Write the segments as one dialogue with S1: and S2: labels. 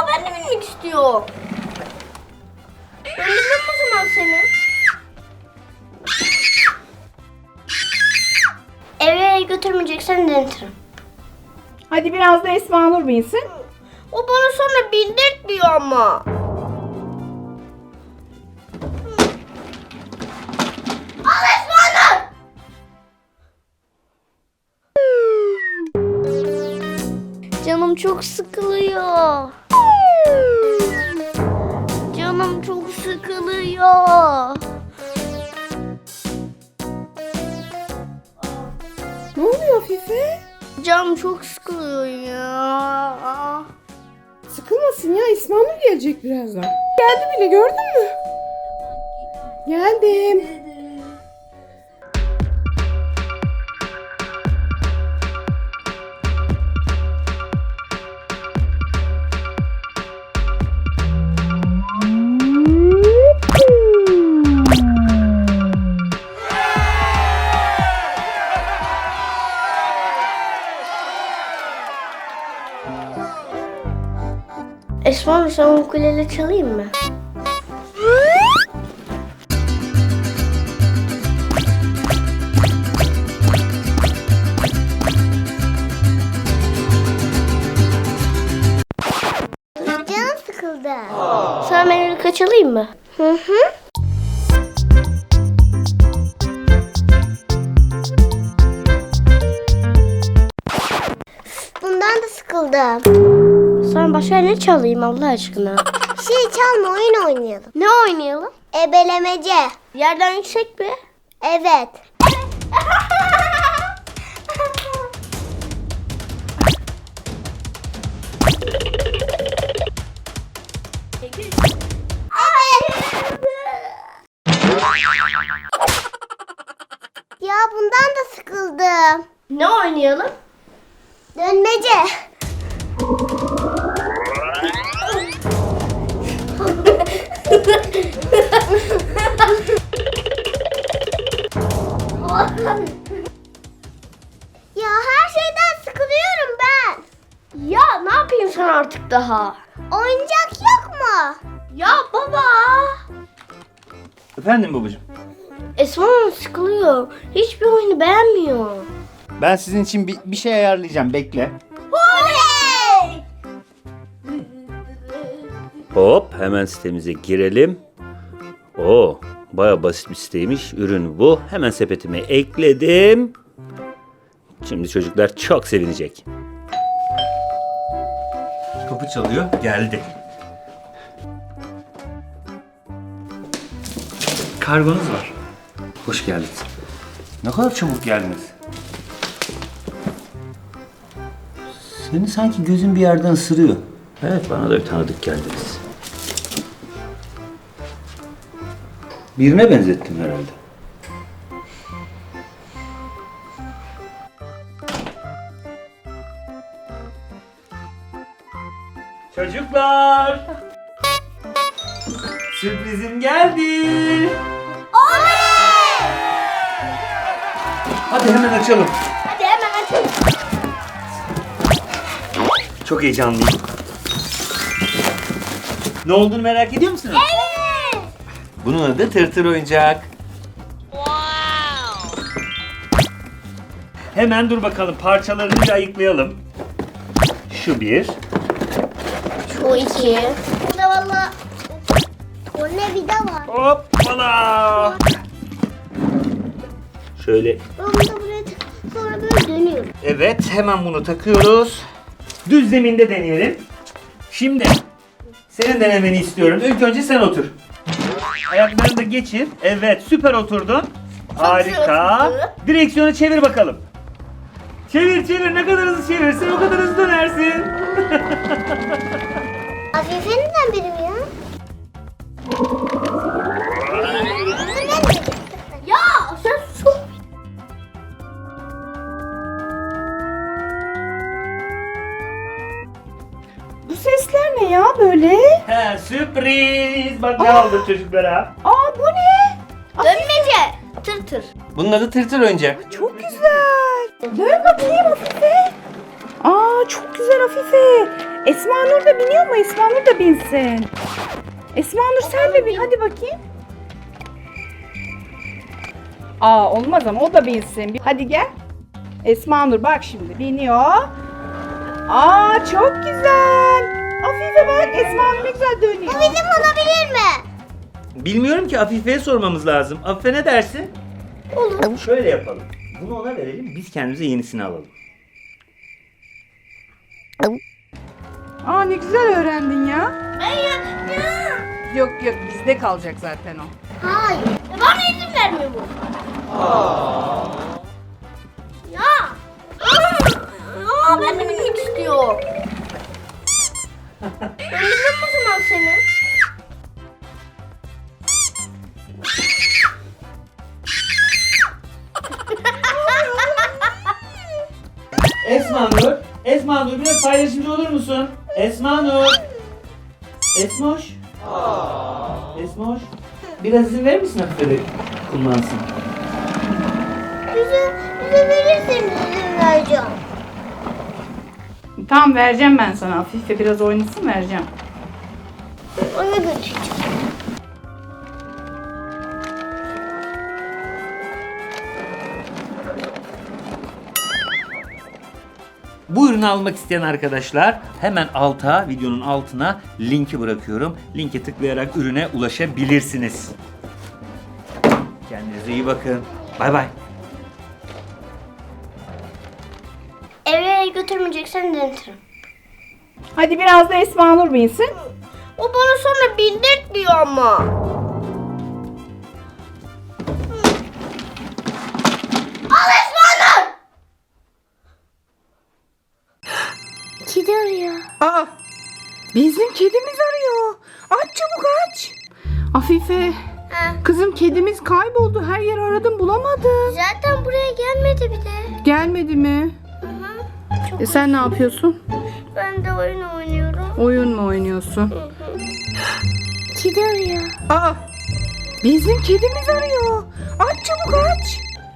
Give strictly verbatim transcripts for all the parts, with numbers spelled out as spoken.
S1: ben de binmek istiyorum. Döndürürüm o zaman seni. Eve götürmeyeceksen döndürürüm.
S2: Hadi biraz da Esma Nur binsin.
S1: O bana sonra bindirtmiyor ama. Al Esma Nur! Canım çok sıkılıyor. Canım çok sıkılıyor.
S2: Ne oluyor Afife?
S1: Canım çok sıkılıyor ya.
S2: Sıkılmasın ya, Esma Nur gelecek birazdan. Geldi bile, gördün mü? Geldim.
S1: Esma Nur, sen ukulele çalayım mı? Canım sıkıldı. Sana melodika çalayım mı? Hı hı. Bundan da sıkıldım. Sana başka ne çalayım Allah aşkına? Şey çalma, oyun oynayalım. Ne oynayalım? Ebelemece. Yerden yüksek mi? Evet. Ya bundan da sıkıldım. Ne oynayalım? Dönmece. Ya her şeyden sıkılıyorum ben. Ya ne yapayım sen artık daha? Oyuncak yok mu? Ya baba.
S3: Efendim babacığım.
S1: Esma Hanım sıkılıyor. Hiçbir oyunu beğenmiyor.
S3: Ben sizin için bir, bir şey ayarlayacağım. Bekle.
S1: Oley!
S4: Hop, hemen sitemize girelim. Oo, baya basit bir siteymiş. Ürün bu. Hemen sepetime ekledim. Şimdi çocuklar çok sevinecek.
S3: Kapı çalıyor. Geldi. Kargonuz var. Hoş geldiniz. Ne kadar çabuk geldiniz.
S4: Seni sanki gözün bir yerden ısırıyor. Evet, bana da bir tanıdık geldiniz. Birine benzettim herhalde.
S3: Çocuklar. Sürprizim geldi. Hadi hemen açalım.
S1: Hadi hemen açalım.
S3: Çok heyecanlıyım. Ne olduğunu merak ediyor musunuz?
S1: Evet.
S3: Bunun adı tırtır oyuncak. Hemen dur bakalım, parçalarını bir ayıklayalım. Şu bir.
S1: Şu iki. Burada valla. O ne vida var.
S3: Hoppala.
S4: Şöyle
S1: Ben bunu da buraya tak- sonra böyle dönüyorum.
S3: Evet, hemen bunu takıyoruz. Düz zeminde deneyelim. Şimdi senin denemeni istiyorum. İlk önce sen otur. Ayaklarını da geçir. Evet, süper oturdun. Harika.
S1: oturdu.
S3: Direksiyonu çevir bakalım. Çevir çevir. Ne kadar hızlı çevirsin o kadar hızlı dönersin.
S1: Afife neden benim ya? Ya sen sus.
S2: Bu sesler ne ya böyle?
S3: He, sürpriz. Bak ne aldım çocuklara.
S2: Aa, bu ne?
S1: Dönmece. Tır tır.
S3: Bunun adı tırtır oyuncak.
S2: Çok güzel. Dön bakayım Afife. Aa, çok güzel Afife. Esma Nur da biniyor mu? Esma Nur da binsin. Esma Nur sen de bin hadi bakayım. Aa olmaz ama o da binsin. Hadi gel. Esma Nur bak şimdi biniyor. Aa çok güzel. Afife bak Esma Nur ne güzel dönüyor.
S1: Bu bizim olabilir mi?
S3: Bilmiyorum ki, Afife'ye sormamız lazım. Afife ne dersin?
S1: Olur.
S3: Şöyle yapalım. Bunu ona verelim, biz kendimize yenisini alalım.
S2: Aa ne güzel öğrendin ya.
S1: Ben yapacağım.
S2: Yok yok bizde kalacak zaten o.
S1: Hayır. Bana izin vermiyor bu. Ya. Aa, ben de binmek istiyorum. Ben bilmem o zaman seni.
S3: Esma Nur, Esma Nur biraz paylaşımcı olur musun? Esma Nur. Esmoş. Esmoş. Biraz izin verir misin Afife de kullansın?
S1: Bize, bize verirseniz izin vereceğim.
S2: Tamam vereceğim ben sana. Afife biraz oynasın vereceğim.
S1: Ona götüreceğim.
S3: Bu ürünü almak isteyen arkadaşlar hemen alta, videonun altına linki bırakıyorum. Linke tıklayarak ürüne ulaşabilirsiniz. Kendinize iyi bakın. Bay bay.
S1: Eve götürmeyeceksen denetirim.
S2: Hadi biraz da Esma Nur binsin.
S1: O bana sonra bindirt diyor ama. Al Esma'nın! Kedi arıyor.
S2: Aa bizim kedimiz arıyor. Aç çabuk aç. Afife
S1: Ha,
S2: kızım kedimiz kayboldu. Her yer aradım bulamadım.
S1: zaten buraya gelmedi bir de.
S2: Gelmedi mi?
S1: Hı hı. Çok
S2: E sen ne yapıyorsun?
S1: Ben de oyun oynuyorum.
S2: Oyun mu oynuyorsun?
S1: Kedi arıyor.
S2: Aa bizim kedimiz arıyor. Aç çabuk aç.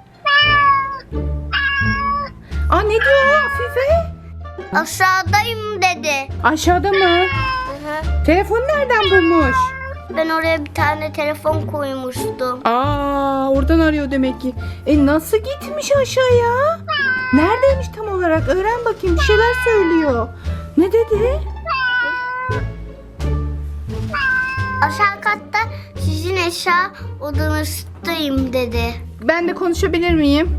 S2: Aa ne diyor Afife?
S1: Aşağıdayım dedi.
S2: Aşağıda mı?
S1: Hı hı.
S2: Telefonu nereden bulmuş?
S1: Ben oraya bir tane telefon koymuştum.
S2: Aa oradan arıyor demek ki. E nasıl gitmiş aşağıya? Neredeymiş tam olarak? Öğren bakayım bir şeyler söylüyor. Ne dedi?
S1: Aşağı katta sizin eşya odanızdayım dedi.
S2: Ben de konuşabilir miyim?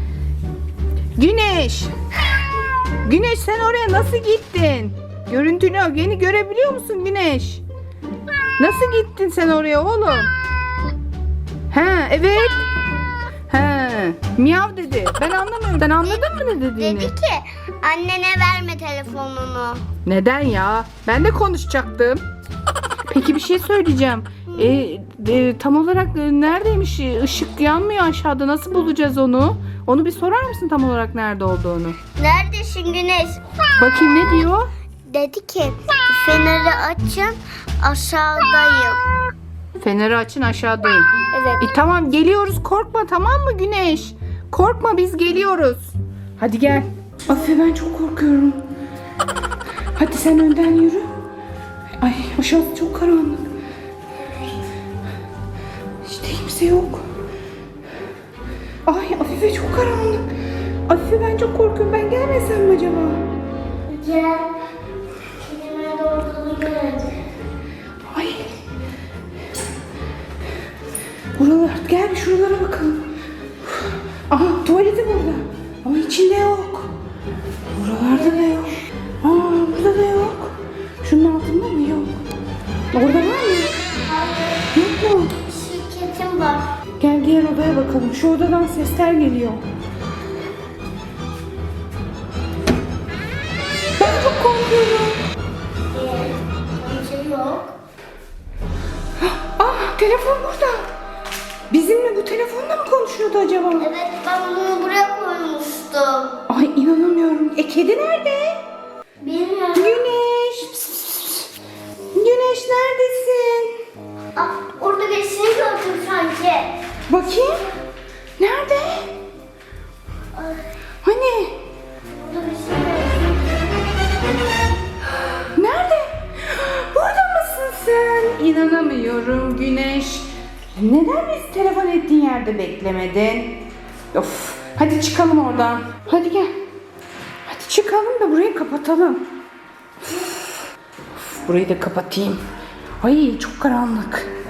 S2: Güneş. Güneş sen oraya nasıl gittin? Görüntünü yeni görebiliyor musun Güneş? Nasıl gittin sen oraya oğlum? Ha evet. Ha miyav dedi. Ben anlamıyorum. Sen anladın mı ne dediğini?
S1: Dedi ki annene verme telefonunu.
S2: Neden ya? Ben de konuşacaktım. Peki bir şey söyleyeceğim. E, e, tam olarak e, neredeymiş? Işık yanmıyor aşağıda. Nasıl bulacağız onu? Onu bir sorar mısın tam olarak nerede olduğunu?
S1: Neredesin Güneş?
S2: Bakayım ne diyor?
S1: Dedi ki feneri açın aşağıdayım.
S2: Feneri açın aşağıdayım.
S1: Evet.
S2: E, tamam geliyoruz korkma tamam mı Güneş? Korkma biz geliyoruz. Hadi gel. Afife ben çok korkuyorum. Hadi sen önden yürü. Ay aşağısı çok karanlık. İşte kimse yok. Ay Afife çok karanlık. Afife ben çok korkuyorum. Ben gelmesem mi acaba?
S1: Gel. Kedime doğru geldi.
S2: Ay. Buralar gel bir şuralara bakalım. Aha tuvaleti burada. Ama içinde yok. Buralarda da yok. Aa burada da yok. Şunun altında mı yok? Orada var mı? Yok mu?
S1: Şirketim var.
S2: Gel diğer odaya bakalım. Şu odadan sesler geliyor. Ben çok korkuyorum.
S1: Bir şey yok.
S2: Ah telefon burada. Bizimle bu telefonla mı konuşuyordu acaba?
S1: Evet ben bunu buraya koymuştum.
S2: Ay inanamıyorum. E kedi nerede?
S1: Bilmiyorum.
S2: Güneş. Pıs, pıs, pıs. Güneş neredesin?
S1: Ah, orada birisini gördüm sanki.
S2: Bakayım. Nerede? Hani?
S1: Orada birisini gördüm.
S2: inanamıyorum Güneş. Neden biz telefon ettiğin yerde beklemedin? Of, hadi çıkalım oradan. Hadi gel. Hadi çıkalım da burayı kapatalım. Of, of, burayı da kapatayım. Ay çok karanlık.